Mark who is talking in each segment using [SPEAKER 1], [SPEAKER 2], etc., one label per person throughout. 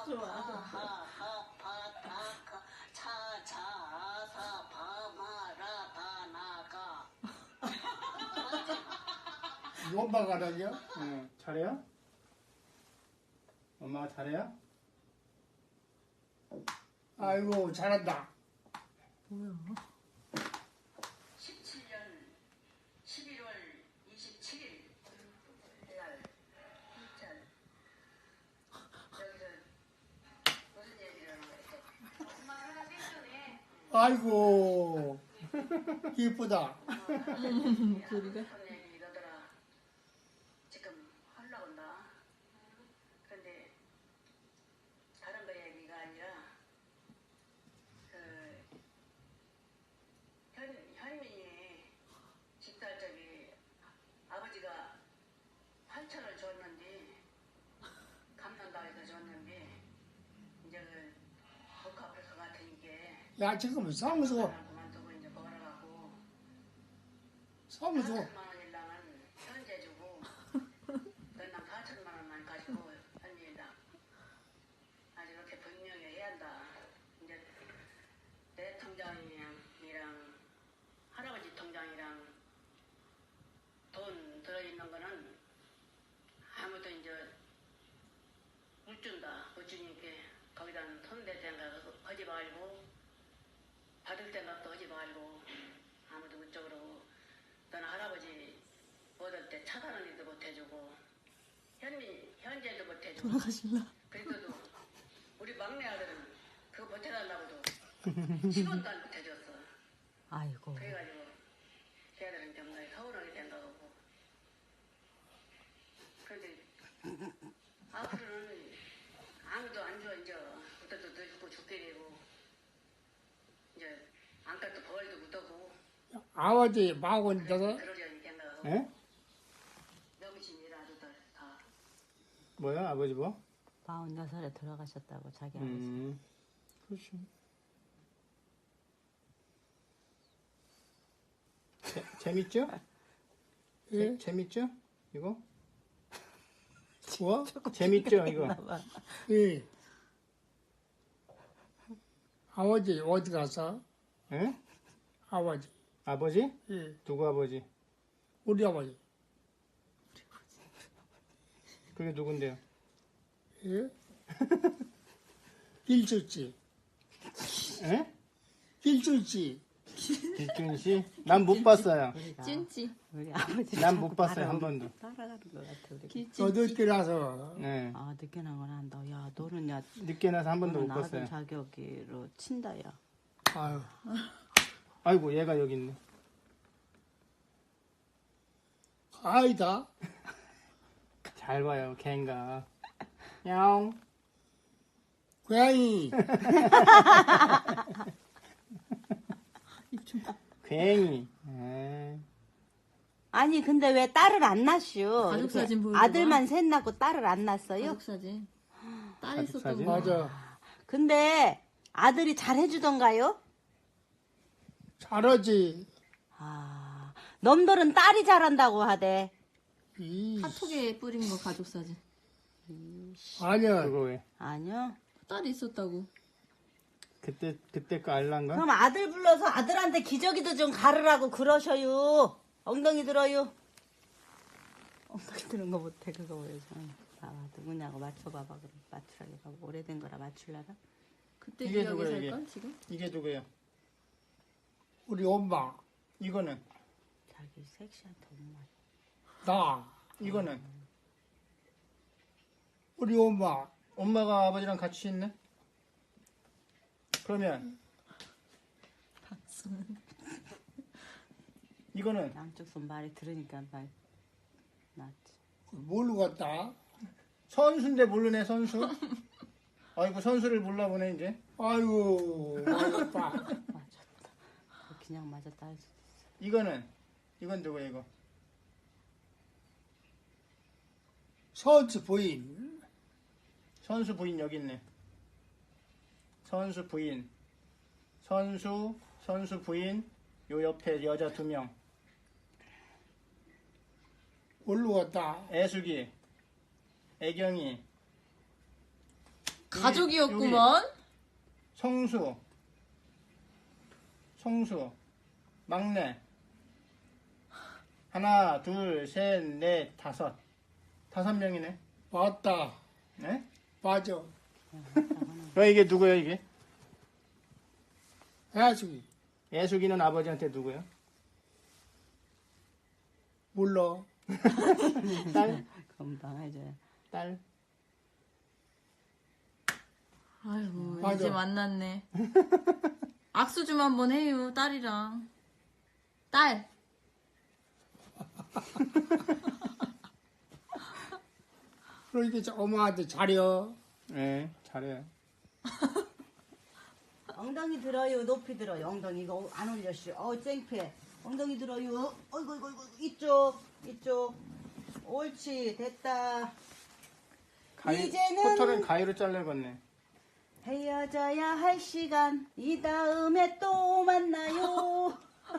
[SPEAKER 1] 좋아.
[SPEAKER 2] 엄마가 하라냐?
[SPEAKER 3] 응, 잘해요? 엄마가 잘해요?
[SPEAKER 2] 아이고 잘한다.
[SPEAKER 1] 뭐야?
[SPEAKER 4] 17년 11월 27일 날 일단 여기서 무슨 얘기를 하는 거야? 엄마 하나 뺐더니
[SPEAKER 2] 아이고 이쁘다.
[SPEAKER 1] 소리가?
[SPEAKER 4] 얘기 이러더라. 지금 하려고 한다. 그런데 다른 거 얘기가 아니라 그 현민이 집살 저기 아버지가 8천을 줬는데 갚는다 해서 줬는데 이제 그 복합할 것 같으니까
[SPEAKER 2] 야 지금 사무소
[SPEAKER 4] 그만두고 이제 벌어가고
[SPEAKER 2] 사무소
[SPEAKER 4] 4천만 원이랑은 현재 주고 너랑 4천만 원만 가지고 현재랑 아주 이렇게 분명히 해야 한다. 이제 내 통장이랑 할아버지 통장이랑 돈 들어있는 거는 아무도 이제 못 준다. 못 주니까 거기다 손댈 생각 하지 말고 받을 생각도 하지 말고 아무도 못 줘 그러고 너는 할아버지 얻을 때 차 사는 일도 못 해주고 현재도 못 해주고
[SPEAKER 1] 돌아가실라?
[SPEAKER 4] 그래도 우리 막내 아들은 그거 못 해달라고도 10원도 안 못 해줬어.
[SPEAKER 1] 아이고.
[SPEAKER 4] 그래가지고 걔들은 정말 서운하게 생각하고 그런데 앞으로는 아무도 안 줘 이제 그것도 늙고 죽게 되고 이제 안값도 벌도 못하고
[SPEAKER 2] 아버지 마흔다섯.
[SPEAKER 4] 그러려니 생각하고
[SPEAKER 3] 예?
[SPEAKER 4] 명신이라 아주 다
[SPEAKER 3] 뭐야 아버지 뭐?
[SPEAKER 1] 46살에 돌아가셨다고 자기 아버지.
[SPEAKER 3] 그렇죠. 재밌죠?
[SPEAKER 2] 예?
[SPEAKER 3] 재밌죠? 이거?
[SPEAKER 2] 뭐?
[SPEAKER 3] 재밌죠 이거?
[SPEAKER 1] 봐봐.
[SPEAKER 2] 예. 아버지 어디 갔어?
[SPEAKER 3] 예?
[SPEAKER 2] 아버지.
[SPEAKER 3] 아버지?
[SPEAKER 2] 예.
[SPEAKER 3] 누구 아버지?
[SPEAKER 2] 우리 아버지.
[SPEAKER 3] 그게 누군데요?
[SPEAKER 2] 예? 길쭉지.
[SPEAKER 3] 예?
[SPEAKER 2] 길쭉지.
[SPEAKER 3] 길준 씨? 난 못 봤어요.
[SPEAKER 1] 찐찌. 우리 아버지.
[SPEAKER 3] 난 못 봤어요 한 번도.
[SPEAKER 1] 따라가는 것 같아 우리.
[SPEAKER 2] 너 늦게 나서
[SPEAKER 3] 네.
[SPEAKER 1] 아 늦게 나건 한다. 야 너는 야
[SPEAKER 3] 늦게 나서 한 번도
[SPEAKER 1] 너는
[SPEAKER 3] 못
[SPEAKER 1] 아들
[SPEAKER 3] 봤어요.
[SPEAKER 1] 자격으로 친다 야.
[SPEAKER 2] 아유
[SPEAKER 3] 아이고 얘가 여기 있네.
[SPEAKER 2] 아이다.
[SPEAKER 3] 잘 봐요 걘가. 야옹.
[SPEAKER 2] 고양이.
[SPEAKER 3] 괜히. 에이.
[SPEAKER 1] 아니 근데 왜 딸을 안 낳슈?
[SPEAKER 5] 가족
[SPEAKER 1] 이렇게
[SPEAKER 5] 사진 보여줘봐.
[SPEAKER 1] 아들만 셋 낳고 딸을 안 낳았어요?
[SPEAKER 5] 가족 사진. 딸
[SPEAKER 3] 가족
[SPEAKER 5] 있었던
[SPEAKER 3] 사진?
[SPEAKER 5] 거.
[SPEAKER 2] 맞아.
[SPEAKER 1] 근데 아들이 잘 해주던가요?
[SPEAKER 2] 잘하지.
[SPEAKER 1] 아 놈들은 딸이 잘한다고 하대.
[SPEAKER 2] 이.
[SPEAKER 5] 카톡에 뿌린 거 가족 사진.
[SPEAKER 2] 아니야.
[SPEAKER 3] 그거 왜?
[SPEAKER 1] 아니요.
[SPEAKER 5] 딸이 있었다고.
[SPEAKER 3] 그때 거 알란가?
[SPEAKER 1] 그럼 아들 불러서 아들한테 기저귀도 좀 가르라고 그러셔요. 엉덩이 들어요. 엉덩이 드는 거 못해 그거 보여줘. 봐봐 누구냐고 맞춰봐봐 그럼 맞추라게 봐봐. 오래된 거라 맞출라나?
[SPEAKER 5] 그때
[SPEAKER 3] 이게
[SPEAKER 5] 기억이
[SPEAKER 3] 누구야, 이게?
[SPEAKER 5] 살걸 지금?
[SPEAKER 3] 이게 누구예요?
[SPEAKER 2] 우리 엄마.
[SPEAKER 3] 이거는?
[SPEAKER 1] 자기 섹시한테 엄마.
[SPEAKER 2] 나.
[SPEAKER 3] 이거는?
[SPEAKER 2] 우리 엄마.
[SPEAKER 3] 엄마가 아버지랑 같이 있네? 그러면 이거는?
[SPEAKER 1] 양쪽 손 말이 들으니까 말 낫지.
[SPEAKER 2] 뭘로 갔다?
[SPEAKER 3] 선수인데 모르네 선수? 아이고 선수를 몰라보네 이제.
[SPEAKER 2] 아이고 맞았다.
[SPEAKER 1] 맞았다. 그냥 맞았다 할 수도 있어.
[SPEAKER 3] 이건 누구야 이거?
[SPEAKER 2] 선수 부인.
[SPEAKER 3] 선수 부인 여기 있네. 선수 부인. 선수 부인. 요 옆에 여자 2명.
[SPEAKER 2] 뭘로 갔다?
[SPEAKER 3] 애숙이. 애경이.
[SPEAKER 5] 가족이었구먼.
[SPEAKER 3] 성수, 막내. 하나, 둘, 셋, 넷, 다섯. 5명이네.
[SPEAKER 2] 맞다.
[SPEAKER 3] 네?
[SPEAKER 2] 맞아.
[SPEAKER 3] 이게 누구예요, 이게?
[SPEAKER 2] 해야지.
[SPEAKER 3] 예숙이는 아버지한테 누구예요?
[SPEAKER 2] 몰라.
[SPEAKER 3] 딸?
[SPEAKER 1] 금방 해줘요.
[SPEAKER 3] 딸?
[SPEAKER 5] 아이고
[SPEAKER 2] 맞아.
[SPEAKER 5] 이제 만났네. 악수 좀 한번 해요 딸이랑. 딸.
[SPEAKER 2] 그러니까 엄마한테 잘해.
[SPEAKER 3] 네, 잘해요.
[SPEAKER 1] 엉덩이 들어요. 높이 들어요. 엉덩이 이거 안 올렸슈. 쨍패. 엉덩이 들어요. 어이구. 이쪽. 옳지. 됐다. 이제는-
[SPEAKER 3] 코털은 가위로 잘라겠네.
[SPEAKER 1] 헤어져야 할 시간. 이 다음에 또 만나요.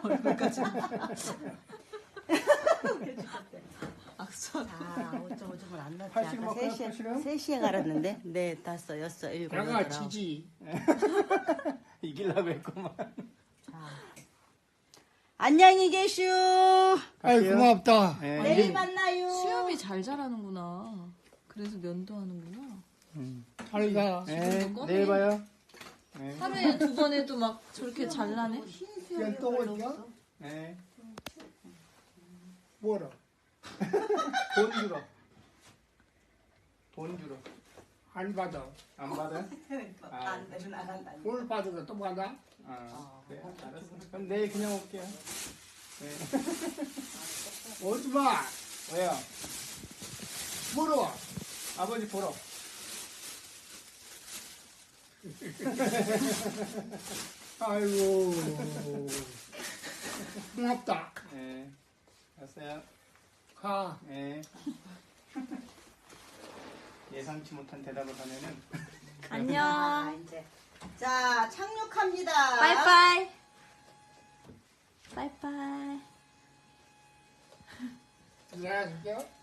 [SPEAKER 5] 악수.
[SPEAKER 1] 자, 어쩌고저쩌고 안 났지.
[SPEAKER 3] 80
[SPEAKER 1] 아까
[SPEAKER 3] 먹어요,
[SPEAKER 1] 3시에, 3시에 갈았는데. 네, 5, 6, 7,
[SPEAKER 2] 내가
[SPEAKER 1] 8.
[SPEAKER 2] 지지.
[SPEAKER 3] 이기려고 했구만.
[SPEAKER 1] 안녕히 계슈.
[SPEAKER 2] 아이
[SPEAKER 3] 갈게요.
[SPEAKER 2] 고맙다.
[SPEAKER 3] 네,
[SPEAKER 1] 내일 만나요.
[SPEAKER 5] 수염이 잘 자라는구나. 그래서 면도하는구나.
[SPEAKER 2] 잘 가.
[SPEAKER 3] 네, 내일 봐요. 네.
[SPEAKER 5] 하루에 2번 해도 막 저렇게 잘 나네.
[SPEAKER 2] 그냥 또 올게요.
[SPEAKER 3] 네.
[SPEAKER 2] 뭐라?
[SPEAKER 3] 돈 주러.
[SPEAKER 2] 안 받아.
[SPEAKER 3] 안 받아요?
[SPEAKER 1] 안 되면 나간다.
[SPEAKER 2] 오늘 받으면 또 받아.
[SPEAKER 3] 그래, 알았어. 그럼 내일 그냥 올게요. 네.
[SPEAKER 2] 오지 마.
[SPEAKER 3] 왜요?
[SPEAKER 2] 물어.
[SPEAKER 3] 아버지 보러.
[SPEAKER 2] 아이고. 고맙다.
[SPEAKER 3] 네. 알았어요.
[SPEAKER 2] 가.
[SPEAKER 3] 네. 예상치 못한 대답을 하면은.
[SPEAKER 5] 안녕.
[SPEAKER 1] 이제. 자, 착륙합니다.
[SPEAKER 5] 빠이빠이. 빠이빠이.
[SPEAKER 2] 내가 줄게요.